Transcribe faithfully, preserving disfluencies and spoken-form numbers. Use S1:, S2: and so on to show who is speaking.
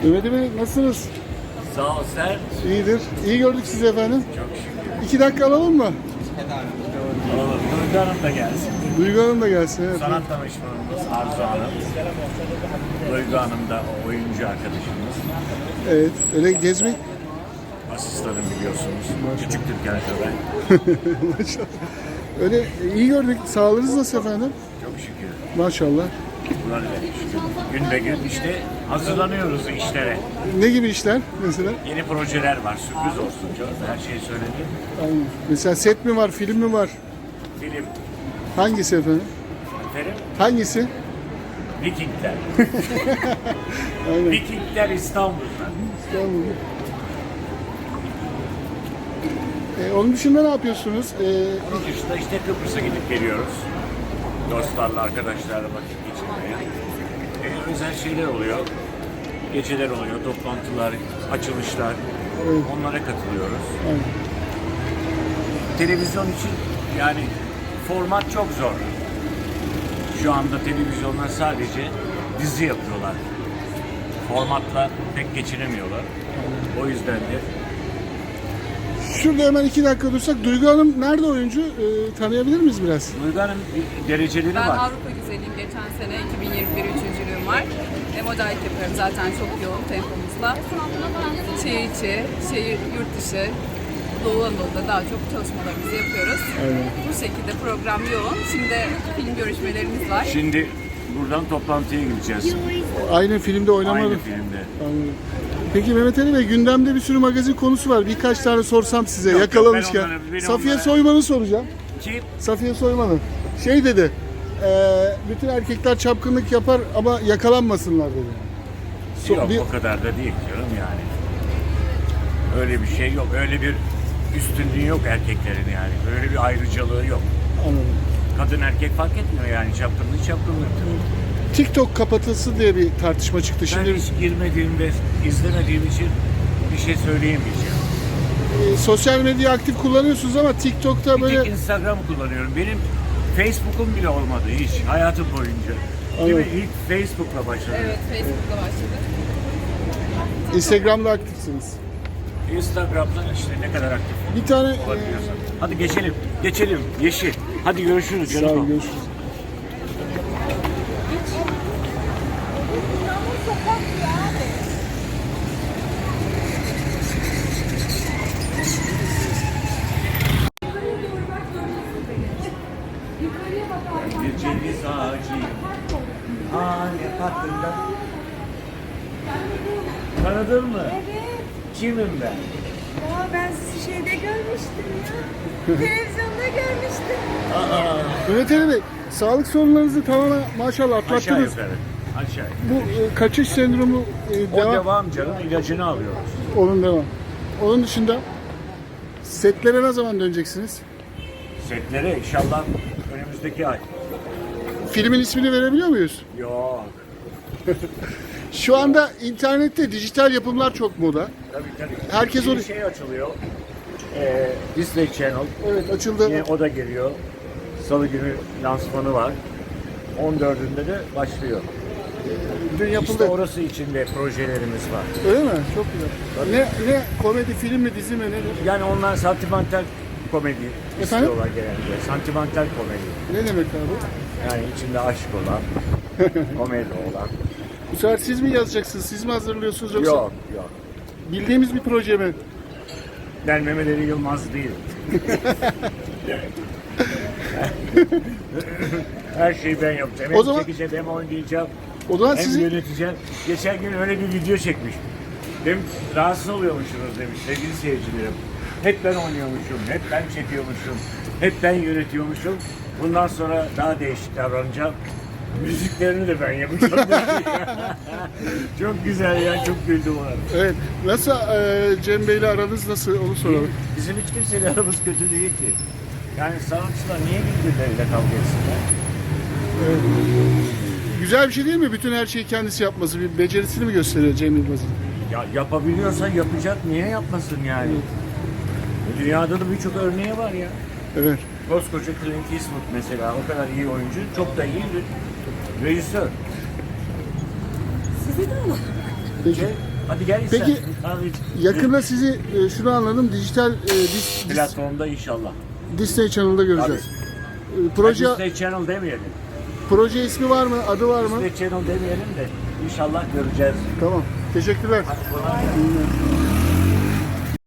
S1: Mehmet Bey nasılsınız?
S2: Sağ ol sen.
S1: İyidir. İyi gördük sizi efendim.
S2: Çok şükür.
S1: İki dakika alalım mı?
S2: Oğlum Duygu Hanım da gelsin.
S1: Duygu Hanım da gelsin. Evet.
S2: Sanat danışmanımız Arzu Hanım. Duygu Hanım da oyuncu arkadaşımız.
S1: Evet. Öyle gezmek.
S2: Asistanım biliyorsunuz. Küçük Türkan Şoray.
S1: Maşallah. Öyle iyi gördük. Sağlığınız nasıl efendim?
S2: Çok şükür.
S1: Maşallah.
S2: Bunlar da şükür. Gün be gün işte hazırlanıyoruz işlere.
S1: Ne gibi işler mesela?
S2: Yeni projeler var. Sürpriz olsun canım. Her şeyi söyledim.
S1: Aynen. Mesela set mi var, film mi var?
S2: Film.
S1: Hangisi efendim?
S2: Efendim?
S1: Hangisi?
S2: Vikingler.
S1: Aynen.
S2: Vikingler İstanbul'da.
S1: İstanbul'da. Ee, onun dışında ne yapıyorsunuz? Ee,
S2: Onun dışında işte Kıbrıs'a gidip geliyoruz. Dostlarla, arkadaşlarla vakit geçirmeye. Ee, özel şeyler oluyor. Geceler oluyor, toplantılar, açılışlar.
S1: Evet.
S2: Onlara katılıyoruz.
S1: aynen.
S2: Televizyon için yani format çok zor. Şu anda televizyonlar sadece dizi yapıyorlar. Formatla pek geçinemiyorlar. O yüzden de
S1: Şurada hemen iki dakika dursak. Duygu Hanım nerede oyuncu? Ee, tanıyabilir miyiz biraz?
S2: Duygu Hanım bir dereceleri
S3: Ben
S2: var.
S3: Avrupa güzeliyim. Geçen sene iki bin yirmi bir üçüncülüğüm var. E, modellik yapıyorum zaten çok yoğun tempomuzla. Şehir içi, şehir yurt dışı, Doğu Anadolu'da daha çok çalışmalarımızı yapıyoruz.
S1: Aynen.
S3: Bu şekilde program yoğun. Şimdi film görüşmelerimiz var.
S2: Şimdi buradan toplantıya gideceğiz.
S1: Aynı filmde oynamadım.
S2: Aynı filmde.
S1: Anladım. Peki Mehmet Ali Bey, gündemde bir sürü magazin konusu var. Birkaç tane sorsam size
S2: Yok, yok,
S1: yakalamışken.
S2: ben onlara- benim
S1: Safiye
S2: onlara-
S1: Soyman'ı soracağım.
S2: Kim?
S1: Safiye Soyman'ı. Şey dedi, eee, bütün erkekler çapkınlık yapar ama yakalanmasınlar dedi. So-
S2: Yok
S1: bir-
S2: o kadar da değil canım yani. Öyle bir şey yok. Öyle bir üstünlüğü yok erkeklerin yani. Öyle bir ayrıcalığı yok.
S1: Anladım.
S2: Kadın erkek fark etmiyor yani. Çapkınlık çapkınlıktır.
S1: TikTok kapatılsın diye bir tartışma çıktı.
S2: Ben
S1: Şimdi
S2: hiç girmediğim ve izlemediğim için bir şey söyleyemeyeceğim.
S1: eee, sosyal medyayı aktif kullanıyorsunuz ama TikTok'ta
S2: Bir
S1: böyle...
S2: tek Instagram kullanıyorum. Benim Facebook'um bile olmadı hiç hayatım boyunca. Değil mi?
S1: Anladım.
S2: İlk Facebook'la başladım.
S3: Evet, Facebook'ta başladık.
S1: Instagram'da aktifsiniz.
S2: Instagram'dan işte ne kadar aktif
S1: Bir tane... eee,
S2: olabiliyorsan. Hadi geçelim. Geçelim. Yeşil. Hadi görüşürüz
S1: Sağ
S2: canım.
S1: olun, görüşürüz.
S2: Bir ceviz ağacıyım. Hane hakkında. Tanıdın mı?
S4: Evet.
S2: Kimim ben?
S4: Ya ben sizi şeyde görmüştüm ya. Televizyonda görmüştüm.
S2: Aa,
S1: Mehmet Ali Bey, sağlık sorunlarınızı tamamen maşallah
S2: aşağı
S1: atlattınız.
S2: yukarı. Aşağı.
S1: Bu e, kaçış sendromu e,
S2: O
S1: devam,
S2: devam canım. İlacını alıyoruz.
S1: onun devam. Onun dışında setlere ne zaman döneceksiniz?
S2: Setlere inşallah önümüzdeki ay.
S1: Filmin ismini verebiliyor muyuz?
S2: Yok.
S1: Şu anda internette dijital yapımlar çok moda.
S2: Tabii tabii.
S1: Herkes
S2: Bir
S1: onu-
S2: şey açılıyor. Ee, Disney Channel.
S1: Evet, açıldı.
S2: Yine o da geliyor. Salı günü lansmanı var. on dördünde de başlıyor.
S1: Dün yapıldı.
S2: İşte orası için de projelerimiz var.
S1: Öyle mi? Çok güzel. Ne ne komedi, film mi, dizi mi nedir?
S2: Yani onlar santimental komedi
S1: Efendim?
S2: istiyorlar genelde. Santimental komedi.
S1: Ne demek abi?
S2: Yani içinde aşk olan, komedi olan.
S1: Bu sefer siz mi yazacaksınız? Siz mi hazırlıyorsunuz yoksa
S2: Yok yok.
S1: bildiğimiz bir proje mi?
S2: Ben Mehmet Ali Yılmaz değilim. Her şeyi ben yapacağım. Hem
S1: O zaman-
S2: çekeceğim, hem oynayacağım,
S1: O zaman
S2: hem
S1: sizin
S2: yöneteceğim. Geçen gün öyle bir video çekmiş. Demiş, rahatsız oluyormuşsunuz demiş sevgili seyircilerim. Hep ben oynuyormuşum, hep ben çekiyormuşum, hep ben yönetiyormuşum. Bundan sonra daha değişik davranacağım. Müziklerini de ben yapacağım. Çok güzel ya, çok güldüm ona.
S1: evet. Nasıl e, Cem Bey'le aranız nasıl onu soralım.
S2: Bizim hiç kimseyle aramız kötü değil ki. Yani sanatçılar niye birbirleriyle kavga etsinler?
S1: Güzel bir şey değil mi? Bütün her şeyi kendisi yapması bir becerisini mi gösteriyor Cem Yılmaz'ın?
S2: Ya yapabiliyorsa yapacak, niye yapmasın yani? Dünyada da birçok örneği var ya.
S1: Evet.
S2: Koskoca Clint Eastwood mesela, o kadar iyi oyuncu, çok da iyi bir rejisör.
S4: Sizi de ama.
S1: Peki.
S2: Ve Hadi gel
S1: Peki,
S2: istersen. Kahve iç.
S1: Yakında sizi e, şunu anladım, dijital e, dis, dis,
S2: Platformda inşallah.
S1: Disney Channel'da göreceğiz. E, proje
S2: Disney Channel demeyelim.
S1: proje ismi var mı? Adı var mı?
S2: Disney Channel demeyelim de inşallah göreceğiz.
S1: Tamam. Teşekkürler.
S2: Hadi kolay gelsin.